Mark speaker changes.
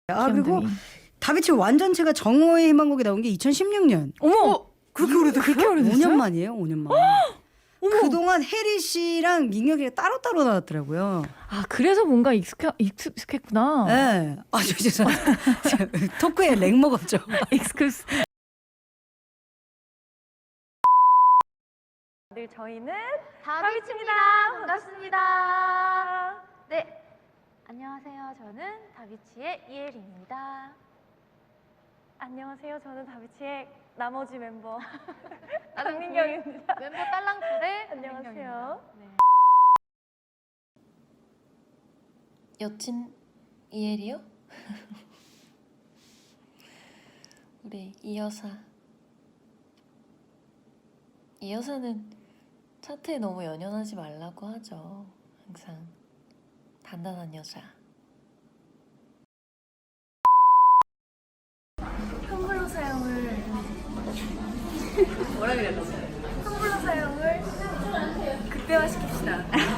Speaker 1: 그리고 다비치 완전체가 정오의 희망곡에 나온 게 2016년.
Speaker 2: 어머! 그렇게 오래됐어요? 그렇게 오래됐어요?
Speaker 1: 5년 만이에요, 5년 만. 그동안 혜리 씨랑 민혁이가 따로따로 나왔더라고요.
Speaker 2: 아, 그래서 뭔가 익숙했구나.
Speaker 1: 네. 아, 죄송합니다. 토크에 렉 먹었죠.
Speaker 2: 익스큐스. 네, 저희는
Speaker 3: 다비치입니다. 반갑습니다. 네, 안녕하세요. 저는 다비치의 이혜리입니다.
Speaker 4: 안녕하세요. 저는 다비치의 나머지 멤버 강민경입니다.
Speaker 3: 멤버 딸랑풀의
Speaker 4: 안녕하세요.
Speaker 3: 네.
Speaker 5: 여친 이혜리요? 우리 이 여사. 이 여사는 차트에 너무 연연하지 말라고 하죠. 항상 단단한 여자.
Speaker 4: 텀블러 사용을 뭐라 그랬지? 텀블러 사용을 극대화 시킵시다.